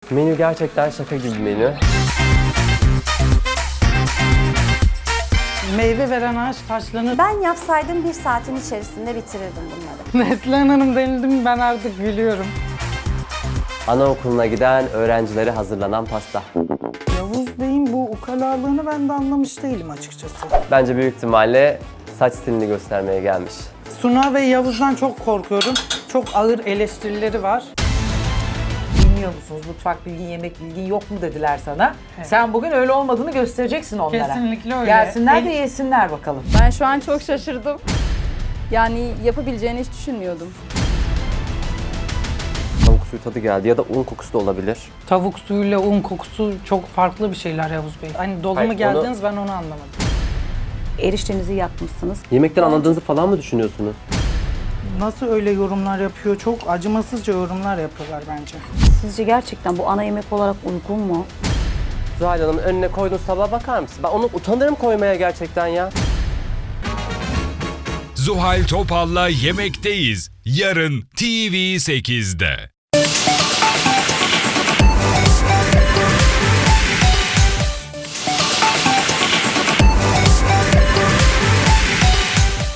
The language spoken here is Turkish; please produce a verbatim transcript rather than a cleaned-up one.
Menü gerçekten şaka gibi menü. Meyve veren ağaç taşlanır. Ben yapsaydım bir saatin içerisinde bitirirdim bunları. Neslihan Hanım denildi mi ben artık gülüyorum. Anaokuluna giden öğrencilere hazırlanan pasta. Yavuz Bey'in bu ukalalığını ben de anlamış değilim açıkçası. Bence büyük ihtimalle saç stilini göstermeye gelmiş. Suna ve Yavuz'dan çok korkuyorum. Çok ağır eleştirileri var. Bilmiyor musunuz? Mutfak bilgin, yemek bilgin yok mu dediler sana. Evet. Sen bugün öyle olmadığını göstereceksin onlara. Kesinlikle öyle. Gelsinler de El- yesinler bakalım. Ben şu an çok şaşırdım. Yani yapabileceğini hiç düşünmüyordum. Tavuk suyu tadı geldi ya da un kokusu da olabilir. Tavuk suyuyla un kokusu çok farklı bir şeyler Yavuz Bey. Hani dolu mu Hayır, geldiniz ben onu anlamadım. Eriştenizi yakmışsınız. Yemekten anladığınızı falan mı düşünüyorsunuz? Nasıl öyle yorumlar yapıyor? Çok acımasızca yorumlar yapıyorlar bence. Sizce gerçekten bu ana yemek olarak uygun mu? Zuhal Hanım'ın önüne koyduğunuz tabağa bakar mısın? Ben onu utanırım koymaya gerçekten ya. Zuhal Topal'la Yemekteyiz. Yarın T V sekizde.